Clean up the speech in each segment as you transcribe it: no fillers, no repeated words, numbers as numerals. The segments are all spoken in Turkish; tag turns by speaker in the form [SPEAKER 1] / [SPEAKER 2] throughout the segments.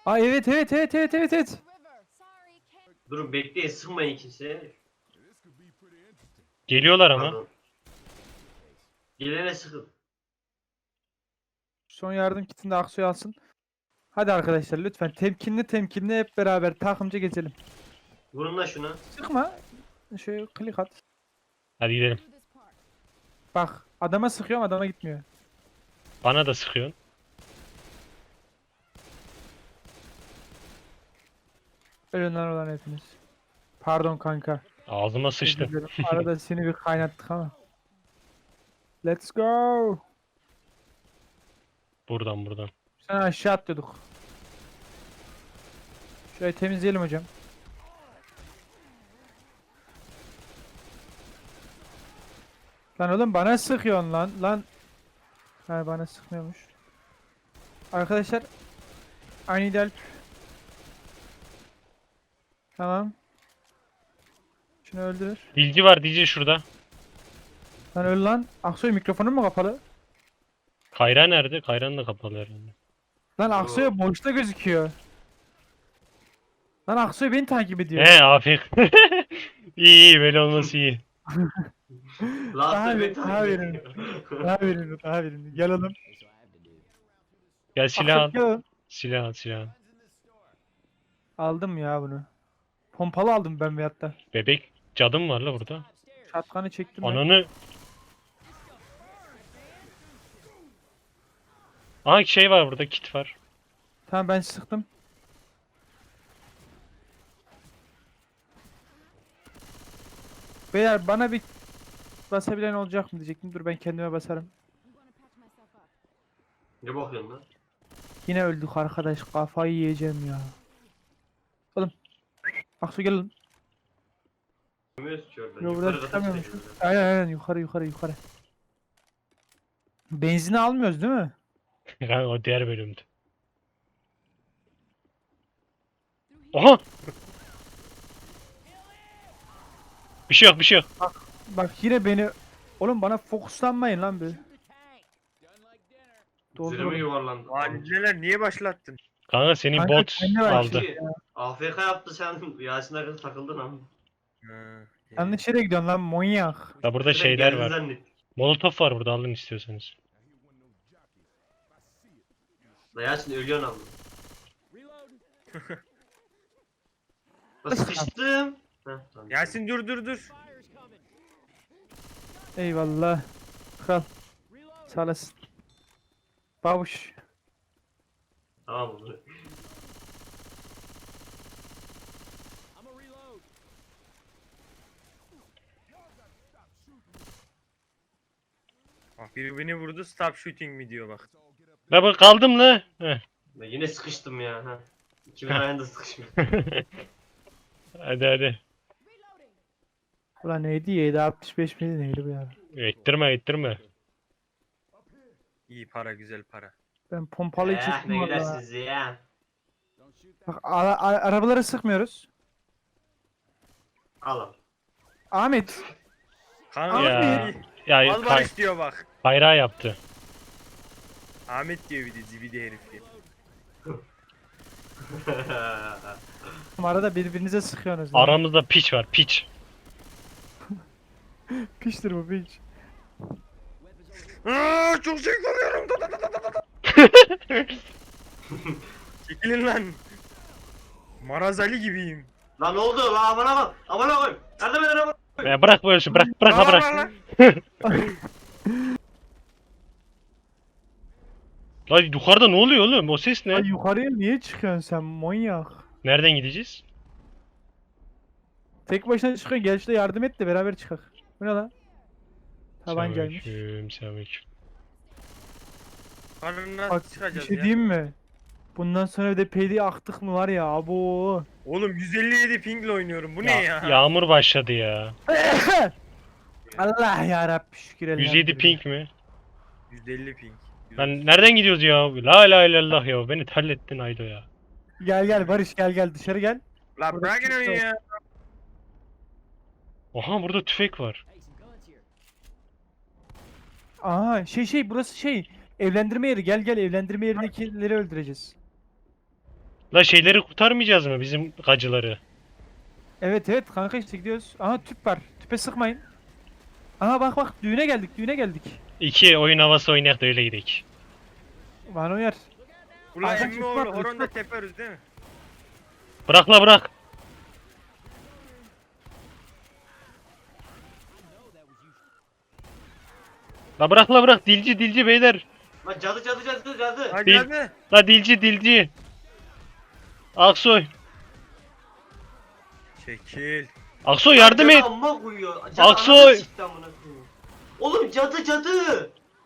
[SPEAKER 1] Aa evet evet evet evet evet evet.
[SPEAKER 2] Durun bekleyin, sıkmayın kimseye.
[SPEAKER 3] Geliyorlar ama.
[SPEAKER 2] Pardon. Gelene sıkın.
[SPEAKER 1] Son yardım kitini de Aksoy alsın. Hadi arkadaşlar lütfen temkinli temkinli hep beraber takımca gezelim.
[SPEAKER 2] Vurun da şuna.
[SPEAKER 1] Sıkma. Şöyle klik at.
[SPEAKER 3] Hadi gidelim.
[SPEAKER 1] Bak adama sıkıyorum adama gitmiyor.
[SPEAKER 3] Bana da sıkıyorsun.
[SPEAKER 1] Ölünler olan hepiniz. Pardon kanka.
[SPEAKER 3] Ağzıma
[SPEAKER 1] Özür
[SPEAKER 3] sıçtı.
[SPEAKER 1] dilerim. Arada seni bir kaynattık ama. Let's go.
[SPEAKER 3] Buradan.
[SPEAKER 1] Sen aşağı atlıyorduk. Şöyle temizleyelim hocam. Lan oğlum bana sıkıyorsun lan. Lan. Ha bana sıkmıyormuş. Arkadaşlar. I need help. Tamam. Şunu öldürür.
[SPEAKER 3] Dilci var dilci şurada.
[SPEAKER 1] Lan öl lan. Aksoy mikrofonun mu kapalı?
[SPEAKER 3] Kayra nerede? Kayran da kapalı herhalde.
[SPEAKER 1] Lan Aksoy boşta gözüküyor. Lan Aksoy beni takip ediyor.
[SPEAKER 3] He afiyet. İyi böyle olması iyi.
[SPEAKER 2] Laster
[SPEAKER 1] Abi,
[SPEAKER 2] beni takip
[SPEAKER 1] abi.
[SPEAKER 2] ediyor.
[SPEAKER 1] Daha verin, daha verin. Gel oğlum.
[SPEAKER 3] Gel silah al.
[SPEAKER 1] Aksoy gel oğlum.
[SPEAKER 3] Silah al.
[SPEAKER 1] Aldım ya bunu. Pompalı aldım ben veyahut da.
[SPEAKER 3] Bebek cadım var la burada.
[SPEAKER 1] Şatkanı çektim ben.
[SPEAKER 3] Ananı. Aha şey var burada kit var.
[SPEAKER 1] Tamam ben sıktım. Beyler bana bir basabilen olacak mı diyecektim. Dur ben kendime basarım.
[SPEAKER 2] Ne bakıyorsun lan?
[SPEAKER 1] Yine öldük arkadaş. Kafayı yiyeceğim ya. Oğlum. Aksu gel oğlum.
[SPEAKER 2] Çıkamıyoruz ki oradan.
[SPEAKER 1] Yo, buradan
[SPEAKER 2] Yukarı kata
[SPEAKER 1] çıkamıyormuşuz.
[SPEAKER 2] çıkıyoruz.
[SPEAKER 1] Aynen yukarı. Benzini almıyoruz değil mi?
[SPEAKER 3] Yani o diğer bölümdü. Aha! Bir şey yok.
[SPEAKER 1] Bak yine beni... Oğlum bana fokuslanmayın lan bir.
[SPEAKER 2] Zırhımı
[SPEAKER 1] Doldur.
[SPEAKER 2] yuvarlandı.
[SPEAKER 4] Neler niye başlattın?
[SPEAKER 3] Kanka senin
[SPEAKER 1] Kanka,
[SPEAKER 3] bot
[SPEAKER 1] kendine bak.
[SPEAKER 3] aldı.
[SPEAKER 2] AFK yaptı sen. Yasin Akın takıldın ama.
[SPEAKER 4] Ha,
[SPEAKER 1] Yanlış yere gidiyorsun lan manyak.
[SPEAKER 3] Ya burada
[SPEAKER 2] Sen
[SPEAKER 3] şeyler
[SPEAKER 2] geldin
[SPEAKER 3] var.
[SPEAKER 2] zannettik.
[SPEAKER 3] Molotof var burada alın istiyorsanız.
[SPEAKER 2] La Yasin ölüyorsun ama. La sıkıştım. Heh, tamam.
[SPEAKER 4] Yasin dur.
[SPEAKER 1] Eyvallah. Kral. Sağ olasın. Babuş.
[SPEAKER 2] Tamam oldu.
[SPEAKER 4] Bak biri beni vurdu stop shooting mi diyor bak.
[SPEAKER 3] La bak kaldım la. Heh.
[SPEAKER 2] Ben yine sıkıştım ya. Ha. İkimin ayağında sıkışmış.
[SPEAKER 3] Hadi.
[SPEAKER 1] Ulan neydi? 765 miydi neydi bu ya?
[SPEAKER 3] Ettirme.
[SPEAKER 4] İyi para güzel para.
[SPEAKER 1] Ben pompalıyı
[SPEAKER 2] Ne
[SPEAKER 1] çektim valla.
[SPEAKER 2] gülersiniz ya.
[SPEAKER 1] Bak arabalara sıkmıyoruz.
[SPEAKER 2] Al.
[SPEAKER 1] Ahmet.
[SPEAKER 4] Kanka
[SPEAKER 3] Ya.
[SPEAKER 4] iyi.
[SPEAKER 3] Ya
[SPEAKER 4] Al barış diyor bak.
[SPEAKER 3] bayrağı yaptı.
[SPEAKER 4] Ahmet diyor bir de zibidi herif diye.
[SPEAKER 1] Arada birbirinize sıkıyorsunuz. lan.
[SPEAKER 3] Aramızda piç var piç.
[SPEAKER 1] Piştir bu piç.
[SPEAKER 4] Çok şey koruyorum. Çekilin lan. Marazali gibiyim.
[SPEAKER 2] Lan ne oldu? Lan aman aman. Aman aman. Yardım edin aman.
[SPEAKER 3] Ya bırak böyle şey bırak
[SPEAKER 4] Lan,
[SPEAKER 3] bırak.
[SPEAKER 4] lan.
[SPEAKER 3] Lan yukarıda ne oluyor oğlum? O ses ne?
[SPEAKER 1] Ay yukarıya niye çıkıyorsun sen manyak?
[SPEAKER 3] Nereden gideceğiz?
[SPEAKER 1] Tek başına çıkıyorsun gel şurada yardım et de beraber çıkak. Bu ne lan? Tabancaymış.
[SPEAKER 3] Selamünaleyküm.
[SPEAKER 4] Karnına
[SPEAKER 1] Bak bir
[SPEAKER 4] çıkacağız
[SPEAKER 1] şey
[SPEAKER 4] ya.
[SPEAKER 1] diyeyim mi? Bundan sonra bir de PD aktık mı var ya abo.
[SPEAKER 4] Oğlum 157 pingle oynuyorum. Bu ne ya?
[SPEAKER 3] Yağmur başladı ya.
[SPEAKER 1] Allah ya Rabbi şükür
[SPEAKER 3] 107
[SPEAKER 1] elhamdülillah.
[SPEAKER 3] ping mi?
[SPEAKER 4] 150 ping.
[SPEAKER 3] Lan nereden gidiyoruz ya? La ilahe illallah ya. Beni terlettin Aydo ya.
[SPEAKER 1] Gel Barış gel dışarı gel.
[SPEAKER 4] La bırakın onu ya.
[SPEAKER 3] Oha burada tüfek var.
[SPEAKER 1] Aha burası evlendirme yeri gel evlendirme yerindekileri öldüreceğiz.
[SPEAKER 3] La şeyleri kurtarmayacağız mı bizim gacıları?
[SPEAKER 1] Evet evet kanka işte gidiyoruz. Aha tüp var. Tüpe sıkmayın. Aha bak bak düğüne geldik düğüne geldik.
[SPEAKER 3] 2 oyun havası oynayak da öyle gidelim.
[SPEAKER 1] Bana uyar.
[SPEAKER 4] Ulan
[SPEAKER 1] Kanka
[SPEAKER 4] emmi
[SPEAKER 1] çıkma,
[SPEAKER 4] oğlu horon da
[SPEAKER 1] çıkma.
[SPEAKER 4] teperiz değil mi?
[SPEAKER 3] Bırak la bırak. La bırak la bırak dilci dilci beyler.
[SPEAKER 2] Lan cadı.
[SPEAKER 4] Hadi
[SPEAKER 3] Değil.
[SPEAKER 4] hadi.
[SPEAKER 3] La dilci dilci. Aksoy.
[SPEAKER 4] Çekil.
[SPEAKER 3] Aksoy yardım
[SPEAKER 2] Cadı
[SPEAKER 3] et.
[SPEAKER 2] amma koyuyor. Cadı
[SPEAKER 3] Aksoy!
[SPEAKER 2] anasını sikti amına koyayım. Oğlum cadı.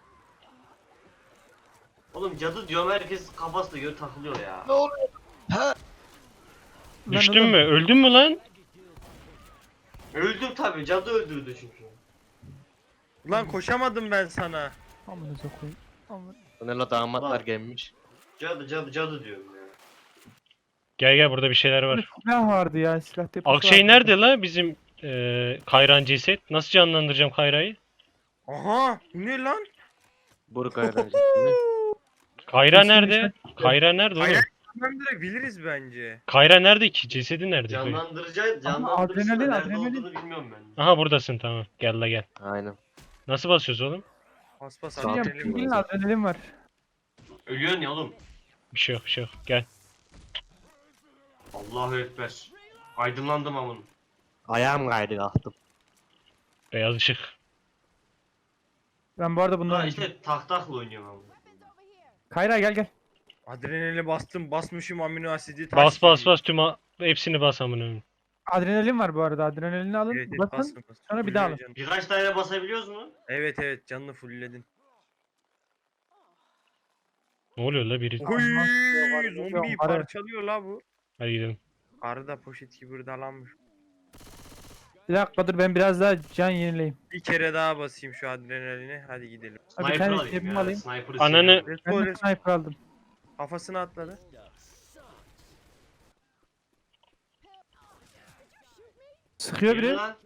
[SPEAKER 2] Oğlum cadı diyorum herkes kafasına göre takılıyor ya.
[SPEAKER 1] Lan
[SPEAKER 3] Düştün
[SPEAKER 1] oğlum,
[SPEAKER 3] mü? Öldün mü lan?
[SPEAKER 2] Öldüm tabi cadı öldürdü çünkü.
[SPEAKER 4] Ulan koşamadım ben sana.
[SPEAKER 1] Amınıza koyayım. Amın.
[SPEAKER 5] Bunlarla damatlar
[SPEAKER 2] Bak.
[SPEAKER 5] gelmiş.
[SPEAKER 2] Cadı diyorum ya.
[SPEAKER 3] Gel burada bir şeyler
[SPEAKER 1] Böyle
[SPEAKER 3] var.
[SPEAKER 1] silah vardı ya silah deposu
[SPEAKER 3] Akşey
[SPEAKER 1] vardı.
[SPEAKER 3] nerede la bizim Kayran ceset? Nasıl canlandıracağım Kayra'yı?
[SPEAKER 4] Aha bu ne lan?
[SPEAKER 5] Buruk öğrencisini.
[SPEAKER 3] Kayra
[SPEAKER 1] Kesin
[SPEAKER 3] nerede? Kayra nerede oğlum?
[SPEAKER 4] Kayra- Ben direkt biliriz bence.
[SPEAKER 3] Kayra nerede ki? Cesedi nerede?
[SPEAKER 2] Canlandırıcısı
[SPEAKER 1] adrenalin,
[SPEAKER 2] da nerede
[SPEAKER 1] adrenalin.
[SPEAKER 2] olduğunu bilmiyorum ben.
[SPEAKER 3] Aha buradasın tamam. Gel la gel.
[SPEAKER 5] Aynen.
[SPEAKER 3] Nasıl basıyoruz oğlum?
[SPEAKER 4] Paspas
[SPEAKER 5] Sağ
[SPEAKER 1] Bilmiyorum,
[SPEAKER 5] ol.
[SPEAKER 4] adrenalin.
[SPEAKER 1] pingin adrenalin var.
[SPEAKER 2] Ölüyorsun ya oğlum.
[SPEAKER 3] Bir şey yok bir şey yok. Gel.
[SPEAKER 2] Allahu Ekber. Aydınlandım amın.
[SPEAKER 5] Ayağım kaydı kalktım.
[SPEAKER 3] Beyaz ışık.
[SPEAKER 1] Ben bu arada bundan
[SPEAKER 2] Ha işte tahtakla oynuyorum amın.
[SPEAKER 1] Kayra gel.
[SPEAKER 4] Adrenali bastım basmışım amino asidi. taş
[SPEAKER 3] Bas bas
[SPEAKER 4] gibi.
[SPEAKER 3] bas hepsini bas amına.
[SPEAKER 1] Adrenalin var bu arada. Adrenalini alın.
[SPEAKER 4] Evet, evet,
[SPEAKER 1] basın.
[SPEAKER 4] bastım, bastım.
[SPEAKER 1] sonra bir daha alın.
[SPEAKER 4] Fullüyor canını.
[SPEAKER 2] Birkaç tane basabiliyoruz mu?
[SPEAKER 4] Evet canını fullledin.
[SPEAKER 3] Ne oluyor la biri?
[SPEAKER 1] Oy.
[SPEAKER 4] Oy
[SPEAKER 1] yok,
[SPEAKER 4] zombiyi
[SPEAKER 1] arı.
[SPEAKER 4] parçalıyor la bu.
[SPEAKER 3] Hadi gidelim.
[SPEAKER 4] Arı da poşet gibi hırdalanmış.
[SPEAKER 1] Bir dakika dur ben biraz daha can yenileyim.
[SPEAKER 4] Bir kere daha basayım şu adrenalini. Hadi gidelim.
[SPEAKER 1] Abi bir
[SPEAKER 2] Sniper
[SPEAKER 1] tane
[SPEAKER 2] alayım
[SPEAKER 1] cebime
[SPEAKER 2] ya.
[SPEAKER 1] alayım.
[SPEAKER 2] Sniper'ı
[SPEAKER 3] Ananı-
[SPEAKER 2] seviyorum.
[SPEAKER 4] Let's
[SPEAKER 1] Ben
[SPEAKER 4] go,
[SPEAKER 1] de
[SPEAKER 4] let's go.
[SPEAKER 1] sniper aldım.
[SPEAKER 4] Kafasına atladı.
[SPEAKER 1] Sıkıyor
[SPEAKER 2] Yürü
[SPEAKER 1] biri.
[SPEAKER 2] lan.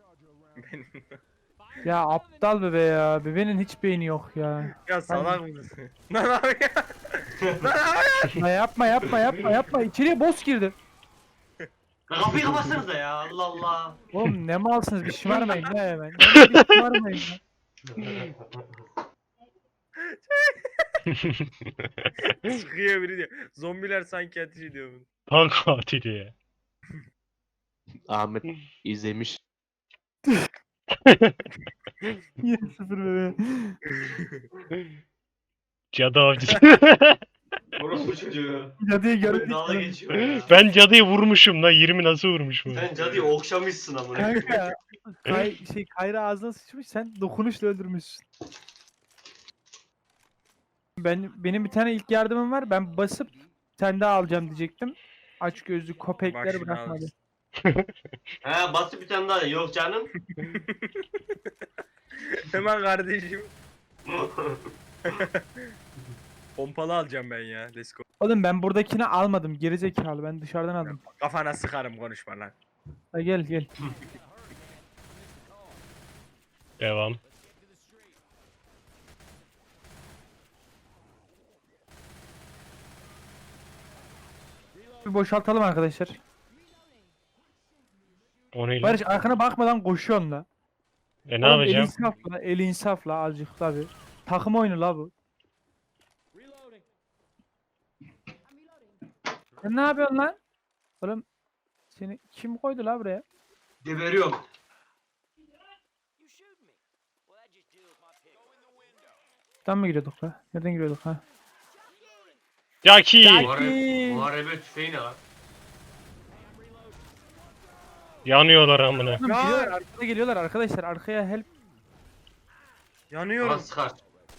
[SPEAKER 1] Ya aptal bebe ya. Bebenin hiç beyni yok ya.
[SPEAKER 4] Ya salak mısın? Lan abi ya. Lan abi.
[SPEAKER 1] Ya yapma. İçeriye boss girdi.
[SPEAKER 2] Lan kapıyı kapatsanıza ya. Allah Allah.
[SPEAKER 1] Oğlum ne malsınız bir şımarmayın ya hemen. Bir şımarmayın ya.
[SPEAKER 4] Sıkıyor biri diyor. Zombiler sanki ateş ediyor bunu.
[SPEAKER 3] Tank katili ya.
[SPEAKER 5] Ahmet izlemiş.
[SPEAKER 1] Yine sıfır bebe.
[SPEAKER 3] Cadı avcısı.
[SPEAKER 2] Orospu çocuğu.
[SPEAKER 1] Cadıyı
[SPEAKER 2] Dalga
[SPEAKER 1] gördük.
[SPEAKER 2] geçiyor ya.
[SPEAKER 3] Ben cadıyı vurmuşum lan 20 nasıl vurmuşum?
[SPEAKER 2] Sen cadıyı okşamışsın amına.
[SPEAKER 1] Kanka. Kayra ağzına sıçmış sen dokunuşla öldürmüşsün. Benim bir tane ilk yardımım var. Ben basıp sen daha alacağım diyecektim. Aç gözlü köpekleri
[SPEAKER 4] Başını
[SPEAKER 1] bırakmadı.
[SPEAKER 4] alsın.
[SPEAKER 2] He basıp bir tane daha. Yok canım.
[SPEAKER 4] Hemen kardeşim. Pompalı alacağım ben ya. Let's go.
[SPEAKER 1] Oğlum ben buradakini almadım. Gerizekalı ben dışarıdan aldım.
[SPEAKER 4] Kafana sıkarım konuşma lan.
[SPEAKER 1] Ha, gel.
[SPEAKER 3] Devam.
[SPEAKER 1] Bir boşaltalım arkadaşlar.
[SPEAKER 3] O ne lan?
[SPEAKER 1] Barış arkana bakmadan koşuyorsun la.
[SPEAKER 3] Ne
[SPEAKER 1] Oğlum,
[SPEAKER 3] yapacağım?
[SPEAKER 1] El insafla azıcık tabi. Takım oyunu la bu. Sen ne yapıyorsun lan? Oğlum seni kim koydu la buraya?
[SPEAKER 2] Geberiyorum.
[SPEAKER 1] Buradan mı giriyorduk la? Nereden giriyorduk ha?
[SPEAKER 3] Yaki!
[SPEAKER 2] Muharebe tüfeği ne lan?
[SPEAKER 3] Yanıyorlar amına.
[SPEAKER 1] Oğlum, geliyorlar, arkada geliyorlar arkadaşlar. Arkaya help.
[SPEAKER 4] Yanıyorum.
[SPEAKER 2] Bana sıkar.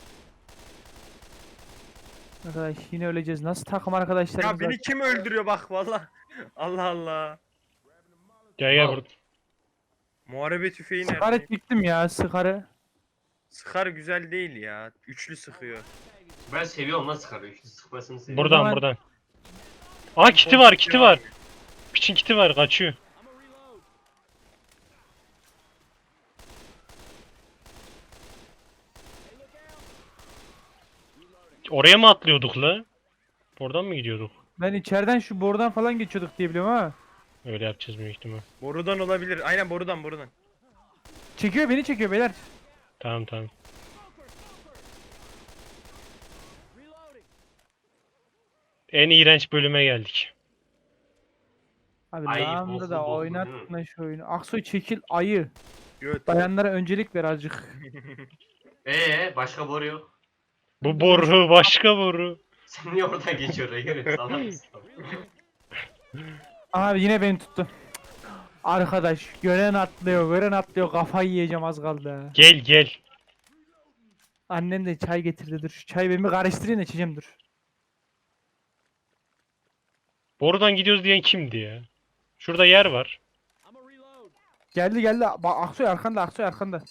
[SPEAKER 1] Arkadaş yine öleceğiz. Nasıl takım arkadaşlarımız
[SPEAKER 4] Ya
[SPEAKER 1] var?
[SPEAKER 4] beni kim öldürüyor bak valla. Allah Allah.
[SPEAKER 3] Gel
[SPEAKER 2] Al.
[SPEAKER 3] burada.
[SPEAKER 4] Muharebe tüfeği
[SPEAKER 1] Sıkarı
[SPEAKER 4] nerede?
[SPEAKER 1] çektim ya sıkarı.
[SPEAKER 4] Sıkar güzel değil ya. Üçlü sıkıyor.
[SPEAKER 2] Ben seviyorum lan sıkarı. Üçlü sıkmasını seviyorum.
[SPEAKER 3] Buradan
[SPEAKER 1] zaman-
[SPEAKER 3] buradan. Aa kiti var kiti var. Piçin kiti var kaçıyor. Oraya mı atlıyorduk la? Oradan mı gidiyorduk?
[SPEAKER 1] Ben içeriden şu borudan falan geçiyorduk diye biliyorum ha.
[SPEAKER 3] Öyle yapacağız büyük ihtimal.
[SPEAKER 4] Borudan olabilir. Aynen borudan.
[SPEAKER 1] Çekiyor, beni çekiyor beyler.
[SPEAKER 3] Tamam. En iğrenç bölüme geldik.
[SPEAKER 1] Abi
[SPEAKER 2] Ay,
[SPEAKER 1] lağımda
[SPEAKER 2] boklu
[SPEAKER 1] da
[SPEAKER 2] boklu,
[SPEAKER 1] oynatma şu oyunu. Aksoy çekil ayı.
[SPEAKER 4] Göt.
[SPEAKER 1] Bayanlara öncelik ver azıcık.
[SPEAKER 2] Başka boru yok.
[SPEAKER 3] Bu boru başka boru.
[SPEAKER 2] Sen niye oradan geçiyorsun? Yürü salak mısın?
[SPEAKER 1] Abi yine beni tuttu. Arkadaş gören atlıyor kafayı yiyeceğim az kaldı.
[SPEAKER 3] Gel.
[SPEAKER 1] Annem de çay getirdi, dur şu çayı ben bir karıştırayım da içeceğim, dur.
[SPEAKER 3] Borudan gidiyoruz diyen kimdi ya? Şurada yer var.
[SPEAKER 1] Geldi bak Aksoy arkanda.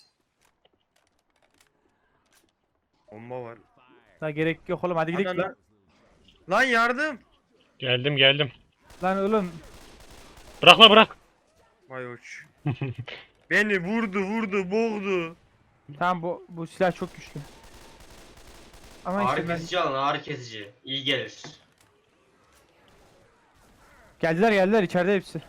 [SPEAKER 4] Bomba var.
[SPEAKER 1] La gerek yok oğlum, hadi gidelim
[SPEAKER 4] Ana,
[SPEAKER 1] lan.
[SPEAKER 4] Lan yardım.
[SPEAKER 3] Geldim.
[SPEAKER 1] Lan oğlum
[SPEAKER 3] Bırak.
[SPEAKER 4] Vay uç. Beni vurdu, boğdu.
[SPEAKER 1] tamam, bu silah çok güçlü. Ama işte
[SPEAKER 2] Ağrı
[SPEAKER 1] ben...
[SPEAKER 2] kesici alın, ağrı kesici. İyi gelir.
[SPEAKER 1] Geldiler içeride hepsi.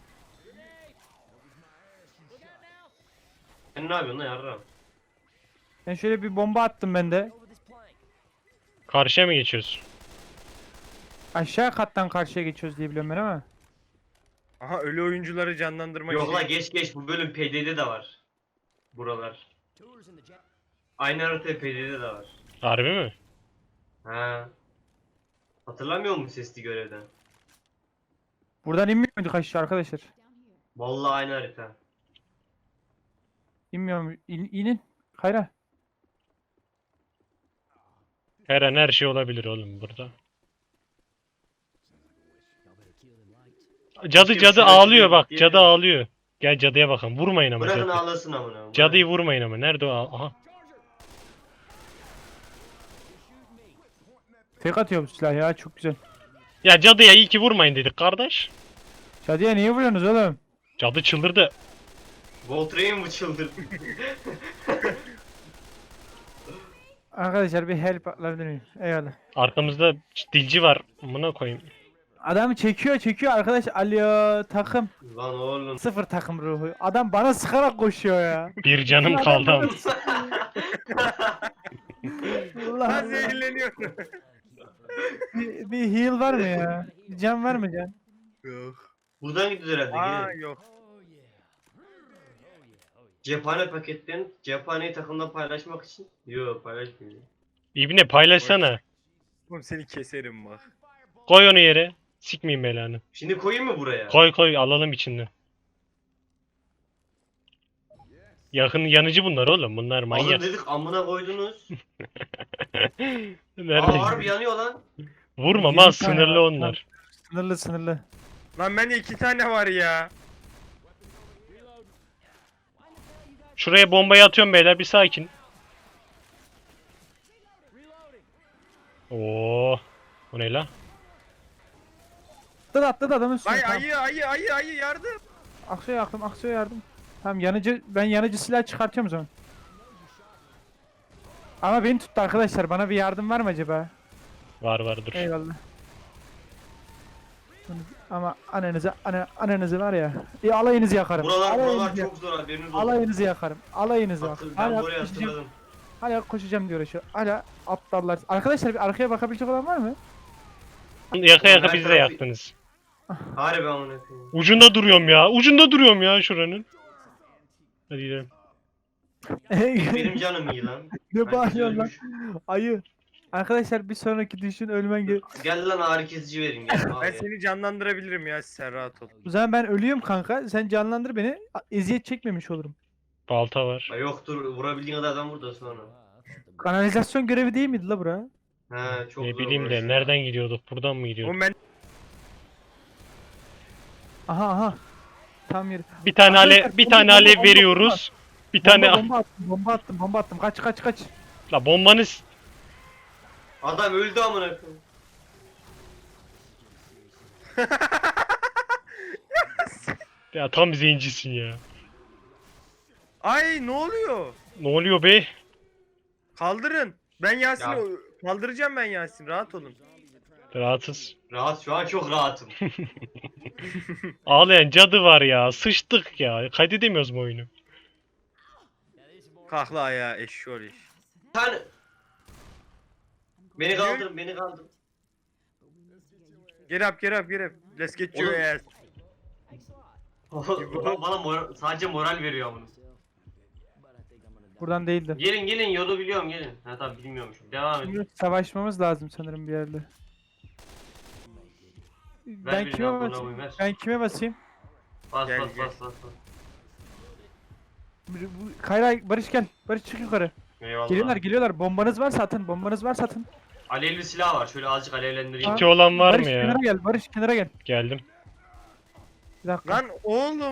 [SPEAKER 2] Sen ne yapıyorsun lan yarram?
[SPEAKER 1] Ben şöyle bir bomba attım ben de.
[SPEAKER 3] Karşıya mı geçiyoruz?
[SPEAKER 1] Aşağı kattan karşıya geçiyoruz diye biliyorum ben ama.
[SPEAKER 4] Aha ölü oyuncuları canlandırma
[SPEAKER 2] Yok
[SPEAKER 4] işi.
[SPEAKER 2] la geç bu bölüm PD'de de var. Buralar. Aynı harita PD'de de var.
[SPEAKER 3] Harbi mi?
[SPEAKER 2] Ha. Hatırlamıyor musun sesli görevden?
[SPEAKER 1] Buradan inmiyor muyduk aşağı arkadaşlar?
[SPEAKER 2] Vallahi aynı harita.
[SPEAKER 1] İnmiyor mu? İnin. Kayra.
[SPEAKER 3] Her an her şey olabilir oğlum burada. Cadı
[SPEAKER 2] Keşke bir şeyler
[SPEAKER 3] ağlıyor bak.
[SPEAKER 2] diye-
[SPEAKER 3] Cadı ağlıyor. Gel cadıya bakalım. Vurmayın ama
[SPEAKER 2] Bırakın
[SPEAKER 3] cadı.
[SPEAKER 2] ağlasın amına.
[SPEAKER 3] Cadıyı vurmayın ama. Nerede o? Aha.
[SPEAKER 1] Tek atıyor bu silah ya, çok güzel.
[SPEAKER 3] Ya cadıya iyi ki vurmayın dedik kardeş.
[SPEAKER 1] Şadiye niye vuruyorsunuz oğlum?
[SPEAKER 3] Cadı çıldırdı.
[SPEAKER 2] Voltrein mi çıldırdı?
[SPEAKER 1] Arkadaşlar bir help atabilir miyim? Eyvallah.
[SPEAKER 3] Arkamızda dilci var. Buna koyayım.
[SPEAKER 1] Adamı çekiyor arkadaş. Alo takım.
[SPEAKER 2] Lan oğlum.
[SPEAKER 1] Sıfır takım ruhu. Adam bana sıkarak koşuyor ya.
[SPEAKER 3] Bir canım
[SPEAKER 1] Adam
[SPEAKER 3] kaldı
[SPEAKER 1] bana
[SPEAKER 3] ama.
[SPEAKER 1] Allah
[SPEAKER 4] Lan
[SPEAKER 1] Allah.
[SPEAKER 4] zehirleniyor.
[SPEAKER 1] Bir heal var mı ya? Bir can var mı can?
[SPEAKER 4] Yok.
[SPEAKER 2] Buradan gidiyoruz herhalde.
[SPEAKER 4] Aa
[SPEAKER 2] Gelin.
[SPEAKER 4] yok.
[SPEAKER 2] Cephane paketlerini cephaneyi takımda paylaşmak için. Yok paylaşmıyor.
[SPEAKER 3] İbne paylaşsana.
[SPEAKER 4] Oğlum seni keserim bak.
[SPEAKER 3] Koy onu yere. Sikmeyeyim belanı.
[SPEAKER 2] Şimdi koyayım mı buraya?
[SPEAKER 3] Koy alalım içinden. Yanıcı bunlar oğlum. Bunlar
[SPEAKER 2] Alın
[SPEAKER 3] manyak.
[SPEAKER 2] dedik amına koydunuz.
[SPEAKER 3] Nerede?
[SPEAKER 2] Aa harbi yanıyor lan.
[SPEAKER 3] Vurma
[SPEAKER 1] 20
[SPEAKER 3] mal
[SPEAKER 1] tane
[SPEAKER 3] sınırlı
[SPEAKER 1] var.
[SPEAKER 3] onlar.
[SPEAKER 1] Sınırlı.
[SPEAKER 4] Lan bende 2 tane var ya.
[SPEAKER 3] Şuraya bombayı atıyorum beyler bir sakin. Oo. O ne la?
[SPEAKER 1] Atladı adamın üstüne.
[SPEAKER 4] Ay
[SPEAKER 1] Tamam.
[SPEAKER 4] ayı yardım.
[SPEAKER 1] Aksoy yardım. Tamam ben yanıcı silah çıkartıyorum o zaman. Ama beni tuttu arkadaşlar. Bana bir yardım var mı acaba?
[SPEAKER 3] Var dur.
[SPEAKER 1] Eyvallah. Ama ananızı var ya. Alayınızı yakarım.
[SPEAKER 2] Buralar
[SPEAKER 1] Alayınızı
[SPEAKER 2] çok zor haberiniz olsun.
[SPEAKER 1] Alayınızı yakarım. Alayınızı bak.
[SPEAKER 2] Ben buraya hatırladım.
[SPEAKER 1] Hala koşacağım diyor şu. Hala aptallar. Arkadaşlar bir arkaya bakabilecek olan var mı?
[SPEAKER 3] Yaka
[SPEAKER 2] Ben
[SPEAKER 3] bizi de
[SPEAKER 2] tarafı-
[SPEAKER 3] yaktınız.
[SPEAKER 2] Harbi amına koyayım.
[SPEAKER 3] Ucunda duruyorum ya şuranın. Hadi gidelim.
[SPEAKER 2] Benim canım iyi lan.
[SPEAKER 1] Ne
[SPEAKER 2] Herkes
[SPEAKER 1] bağırıyorsun lan?
[SPEAKER 2] ölmüş.
[SPEAKER 1] Ayı. Arkadaşlar bir sonraki düşün ölmen gerek.
[SPEAKER 2] Gel lan ağrı kesici verin gel.
[SPEAKER 4] Ben
[SPEAKER 2] Abi.
[SPEAKER 4] seni canlandırabilirim ya sen rahat ol.
[SPEAKER 1] O zaman ben ölüyorum kanka. Sen canlandır beni. Eziyet çekmemiş olurum.
[SPEAKER 3] Balta var.
[SPEAKER 2] Ay yoktur vurabildiğin kadar adam vur da sonra.
[SPEAKER 1] Kanalizasyon görevi değil miydi la bura?
[SPEAKER 2] He çok
[SPEAKER 3] Ne
[SPEAKER 2] zor
[SPEAKER 3] bileyim
[SPEAKER 2] burası.
[SPEAKER 3] de nereden gidiyorduk? Buradan mı gidiyorduk?
[SPEAKER 4] Oğlum ben
[SPEAKER 1] Aha. Tam yeri.
[SPEAKER 3] Bir tane
[SPEAKER 1] Arkadaşlar,
[SPEAKER 3] bir tane alev
[SPEAKER 1] bomba,
[SPEAKER 3] veriyoruz. Bir tane
[SPEAKER 1] Bomba attım. Kaç.
[SPEAKER 3] la bombanız
[SPEAKER 2] Adam öldü amına koyayım.
[SPEAKER 3] ya tam zencisin ya.
[SPEAKER 4] Ay ne oluyor?
[SPEAKER 3] Ne oluyor be?
[SPEAKER 4] Kaldırın. Ben Yasin'i
[SPEAKER 2] Ya.
[SPEAKER 4] kaldıracağım ben Yasin rahat olun.
[SPEAKER 3] Rahatız.
[SPEAKER 2] Rahat, şu an çok rahatım.
[SPEAKER 3] Ağlayan cadı var ya. Sıçtık ya. Kaydedemiyoruz mu oyunu?
[SPEAKER 4] Kalkla ayağa eşşoğlu iş.
[SPEAKER 2] Sen... Beni kaldırın, beni kaldırın.
[SPEAKER 4] Get up, get up, get up. Let's get your
[SPEAKER 2] Oğlum.
[SPEAKER 4] ass.
[SPEAKER 2] Bana sadece moral veriyor bunu.
[SPEAKER 1] Buradan değildi.
[SPEAKER 2] Gelin gelin, yolu biliyorum, gelin. Ha tamam, bilmiyormuşum. Devam edin.
[SPEAKER 1] Şimdi savaşmamız lazım sanırım bir yerde. Ben
[SPEAKER 2] bir
[SPEAKER 1] kime
[SPEAKER 2] lan, buna
[SPEAKER 1] basayım?
[SPEAKER 2] uy, ver.
[SPEAKER 1] Ben kime basayım?
[SPEAKER 2] Bas
[SPEAKER 4] Gel,
[SPEAKER 2] bas
[SPEAKER 4] gel.
[SPEAKER 2] bas bas.
[SPEAKER 1] Kayra, Barış gel. Barış çık yukarı.
[SPEAKER 2] Eyvallah.
[SPEAKER 1] Geliyorlar geliyorlar. Bombanız varsa atın. Bombanız varsa atın.
[SPEAKER 2] Alevli silah var, şöyle azıcık alevlendireyim.
[SPEAKER 3] Kiti olan var
[SPEAKER 1] Barış
[SPEAKER 3] mı ya?
[SPEAKER 1] kenara gel. Barış kenara gel.
[SPEAKER 3] Geldim.
[SPEAKER 1] Bir dakika.
[SPEAKER 4] Lan oğlum.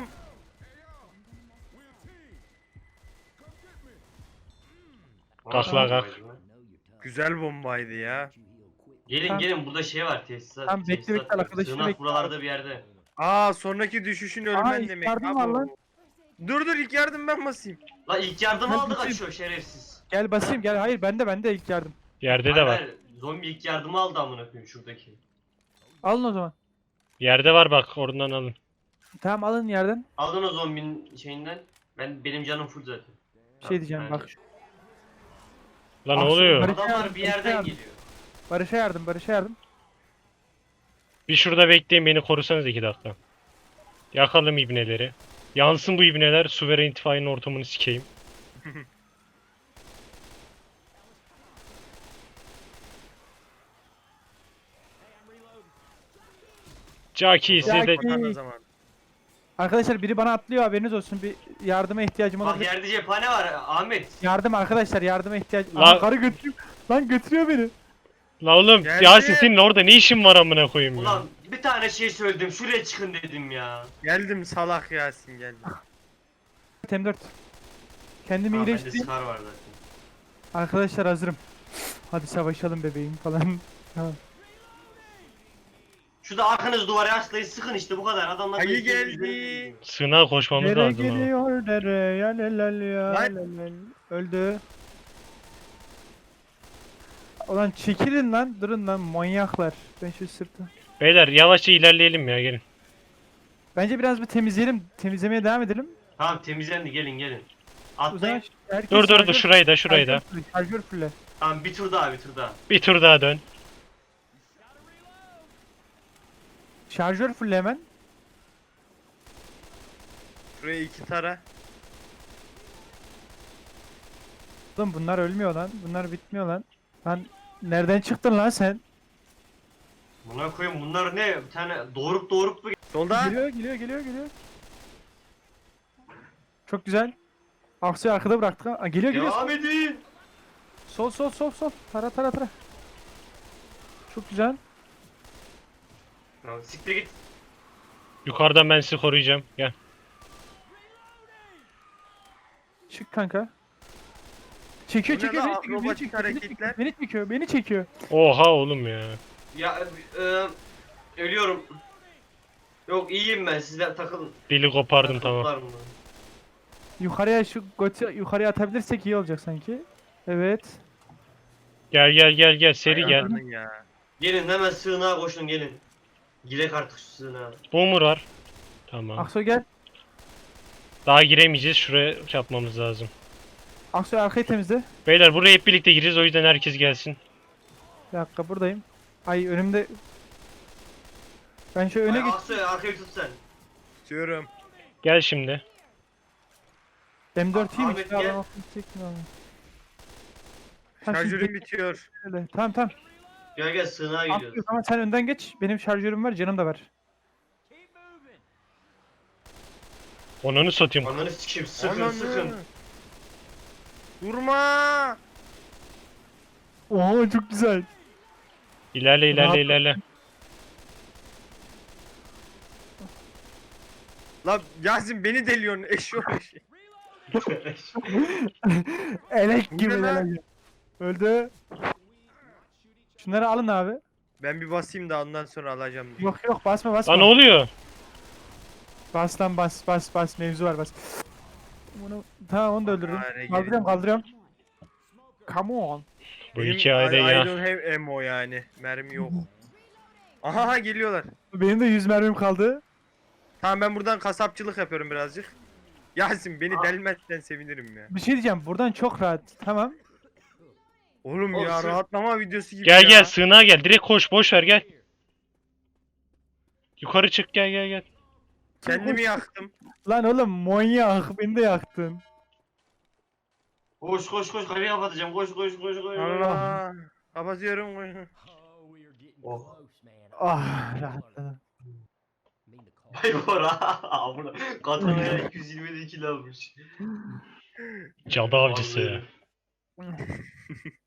[SPEAKER 3] Kalk lan, kalk.
[SPEAKER 4] Güzel bombaydı ya.
[SPEAKER 2] Gelin
[SPEAKER 1] Tamam.
[SPEAKER 2] gelin, burada şey var, tesisat.
[SPEAKER 1] Tamam, bekle,
[SPEAKER 2] tesisat
[SPEAKER 1] bekle,
[SPEAKER 2] var.
[SPEAKER 1] arkadaşını
[SPEAKER 2] Sığınak
[SPEAKER 1] bekle.
[SPEAKER 2] buralarda bir yerde.
[SPEAKER 4] Aa sonraki düşüşün
[SPEAKER 1] Aa,
[SPEAKER 4] ölmen
[SPEAKER 1] ilk
[SPEAKER 4] demek.
[SPEAKER 1] yardım
[SPEAKER 4] Ha
[SPEAKER 1] var
[SPEAKER 4] bu.
[SPEAKER 1] lan.
[SPEAKER 4] Dur ilk yardım ben basayım.
[SPEAKER 2] La ilk yardım
[SPEAKER 1] Ben
[SPEAKER 2] aldı
[SPEAKER 1] basayım.
[SPEAKER 2] kaçıyor şerefsiz.
[SPEAKER 1] Gel basayım gel. Hayır bende ilk yardım.
[SPEAKER 3] Yerde de
[SPEAKER 2] Hayır,
[SPEAKER 3] var.
[SPEAKER 2] hayır, zombi ilk yardımı aldı amına koyayım şuradaki.
[SPEAKER 1] Alın o zaman.
[SPEAKER 3] Yerde var bak, oradan alın.
[SPEAKER 1] Tamam alın yerden.
[SPEAKER 2] Aldın o zombinin şeyinden. Benim canım full zaten.
[SPEAKER 1] Bir şey diyeceğim
[SPEAKER 2] Aynen.
[SPEAKER 1] bak.
[SPEAKER 3] Lan ne
[SPEAKER 1] Ah,
[SPEAKER 3] oluyor?
[SPEAKER 1] Barış-
[SPEAKER 2] Adamlar bir yerden
[SPEAKER 1] yardım.
[SPEAKER 2] geliyor.
[SPEAKER 1] Barış'a yardım. Barış'a yardım.
[SPEAKER 3] Bir şurada bekleyin, beni korusanız 2 dakika. Yakalım ibneleri. Yansın bu ibneler, Suveren İttifakı'nın ortamını sikeyim. Jackie size de...
[SPEAKER 1] Jackie.
[SPEAKER 4] Bakan o zaman.
[SPEAKER 1] Arkadaşlar biri bana atlıyor, haberiniz olsun. Bir yardıma ihtiyacım
[SPEAKER 2] Bak
[SPEAKER 1] olabilir.
[SPEAKER 2] yerde cephane var Ahmet.
[SPEAKER 1] Yardım arkadaşlar, yardıma ihtiyacım.
[SPEAKER 3] La-
[SPEAKER 1] Aa, karı götürüyor. Lan götürüyor beni.
[SPEAKER 3] La oğlum,
[SPEAKER 4] Geldi.
[SPEAKER 3] Yasin senin orada ne işin var amına koyayım ya?
[SPEAKER 2] Ulan bir tane şey söyledim, şuraya çıkın dedim ya.
[SPEAKER 4] Geldim salak Yasin geldim.
[SPEAKER 1] M4. Kendimi
[SPEAKER 2] Ha, bende
[SPEAKER 1] iyileştireyim.
[SPEAKER 2] Scar var zaten.
[SPEAKER 1] Arkadaşlar hazırım. Hadi savaşalım bebeğim falan. Tamam.
[SPEAKER 2] Şurada arkanız duvara yaslayın, sıkın işte bu kadar. Adamlar
[SPEAKER 4] Ayı
[SPEAKER 2] da izleyin,
[SPEAKER 4] geldi.
[SPEAKER 2] izleyin.
[SPEAKER 3] Sığınağa koşmamız
[SPEAKER 1] Dere
[SPEAKER 3] lazım ha.
[SPEAKER 1] geliyor dere ya lelel ya
[SPEAKER 4] Lan.
[SPEAKER 1] lelel. Öldü. Ulan çekilin lan, durun lan manyaklar. Ben şu sırtı.
[SPEAKER 3] Beyler yavaşça ilerleyelim ya, gelin.
[SPEAKER 1] Bence biraz bir temizleyelim. Temizlemeye devam edelim.
[SPEAKER 2] Tamam temizlendi, gelin gelin.
[SPEAKER 1] O zaman
[SPEAKER 2] Atlayın.
[SPEAKER 1] herkes
[SPEAKER 3] Dur
[SPEAKER 1] şarjör-
[SPEAKER 3] şurayı da şurayı da.
[SPEAKER 1] Şarjör fulle.
[SPEAKER 2] Tamam bir tur daha, bir tur daha.
[SPEAKER 3] Bir tur daha dön.
[SPEAKER 1] Şarjör fulle hemen.
[SPEAKER 4] Şuraya 2 tara.
[SPEAKER 1] Oğlum bunlar ölmüyor lan. Bunlar bitmiyor lan. Lan nereden çıktın lan sen?
[SPEAKER 2] Buna koyayım, bunlar ne? Bir tane doğurup mu?
[SPEAKER 4] Solda.
[SPEAKER 1] Geliyor. Çok güzel. Aksu'yu arkada bıraktık ha. Aa, geliyor.
[SPEAKER 2] Devam edin.
[SPEAKER 1] Sol. Tara. Çok güzel.
[SPEAKER 2] Tamam, siktir git.
[SPEAKER 3] Yukarıdan ben sizi koruyacağım. Gel.
[SPEAKER 1] Çık kanka. Çekiyor.
[SPEAKER 4] Bu ne lan?
[SPEAKER 1] Beni
[SPEAKER 4] Akrobatik
[SPEAKER 1] çekiyor.
[SPEAKER 4] hareketler.
[SPEAKER 1] Beni çekiyor.
[SPEAKER 3] Oha oğlum ya.
[SPEAKER 2] Ya ölüyorum. Yok iyiyim ben, sizler takılın.
[SPEAKER 3] Dili kopardım tamam.
[SPEAKER 2] Toplar bunu.
[SPEAKER 1] Yukarıya şu goti yukarıya atabilirsek iyi olacak sanki. Evet.
[SPEAKER 3] Gel seri gel.
[SPEAKER 4] Ayarladın ya.
[SPEAKER 2] Gelin hemen sığınağa koşun, gelin. Girek artık şu sığınağa.
[SPEAKER 3] Boomer var. Tamam.
[SPEAKER 1] Aksu gel.
[SPEAKER 3] Daha giremeyeceğiz. Şuraya yapmamız lazım.
[SPEAKER 1] Aksu arkayı temizle.
[SPEAKER 3] Beyler buraya hep birlikte gireceğiz, o yüzden herkes gelsin.
[SPEAKER 1] Bir dakika buradayım. Ay önümde. Ben şöyle öne
[SPEAKER 2] Ay,
[SPEAKER 1] geç.
[SPEAKER 2] Aksoy arkayı tut sen.
[SPEAKER 4] Tutuyorum.
[SPEAKER 3] Gel şimdi.
[SPEAKER 1] M4 iyiymiş
[SPEAKER 2] Ahmet
[SPEAKER 1] ya.
[SPEAKER 2] gel.
[SPEAKER 1] Ben aklımı çektim abi. Tamam, şimdi
[SPEAKER 4] Şarjörüm bitiyor.
[SPEAKER 1] bekle. Tamam.
[SPEAKER 2] Gel sığınağa
[SPEAKER 1] Aksu
[SPEAKER 2] gidiyoruz.
[SPEAKER 1] ama sen önden geç. Benim şarjörüm var, canım da var.
[SPEAKER 3] Onunu satayım.
[SPEAKER 2] Ananı sikeyim, sıkın
[SPEAKER 4] Ananı.
[SPEAKER 2] sıkın.
[SPEAKER 4] Durma.
[SPEAKER 1] Oo çok güzel.
[SPEAKER 3] İlerle.
[SPEAKER 4] La Yasin beni deliyorsun eşşoğlu eşi.
[SPEAKER 1] Elek
[SPEAKER 4] Bu
[SPEAKER 1] gibi
[SPEAKER 4] ne lan?
[SPEAKER 1] elek gibi. Öldü. Şunları alın abi.
[SPEAKER 4] Ben bir basayım da ondan sonra alacağım.
[SPEAKER 1] Yok basma.
[SPEAKER 3] Lan ne oluyor?
[SPEAKER 1] Bas lan bas mevzu var bas. Bunu tamam onu da öldürdüm.
[SPEAKER 4] Hare
[SPEAKER 1] Kaldırıyorum. Come on.
[SPEAKER 3] Bu
[SPEAKER 4] Benim
[SPEAKER 3] hikayede
[SPEAKER 4] I
[SPEAKER 3] ya.
[SPEAKER 4] don't have ammo yani. Mermi yok. Aha geliyorlar.
[SPEAKER 1] Benim de 100 mermim kaldı.
[SPEAKER 4] Tamam ben buradan kasapçılık yapıyorum birazcık. Yasin beni delmezsen sevinirim ya.
[SPEAKER 1] Bir şey diyeceğim. Buradan çok rahat. Tamam.
[SPEAKER 4] Oğlum
[SPEAKER 2] Oğlum
[SPEAKER 4] ya
[SPEAKER 2] sırf-
[SPEAKER 4] rahatlama videosu gibi
[SPEAKER 3] Gel
[SPEAKER 4] ya.
[SPEAKER 3] gel sığınağa gel. Direkt koş boş ver gel. Yukarı çık gel gel gel.
[SPEAKER 4] Kendimi yaktım.
[SPEAKER 1] Lan oğlum manyak. Beni de yaktın.
[SPEAKER 2] Koş koş koş kapıyı kapatacağım. Koş koş koş koş.
[SPEAKER 4] Allah. Kapatıyorum.
[SPEAKER 2] Oh.
[SPEAKER 1] Ah rahatladım.
[SPEAKER 2] Vay bora. Amına. Katana'ya 222 kilo almış.
[SPEAKER 3] Cadı avcısı ya.
[SPEAKER 2] Vallahi.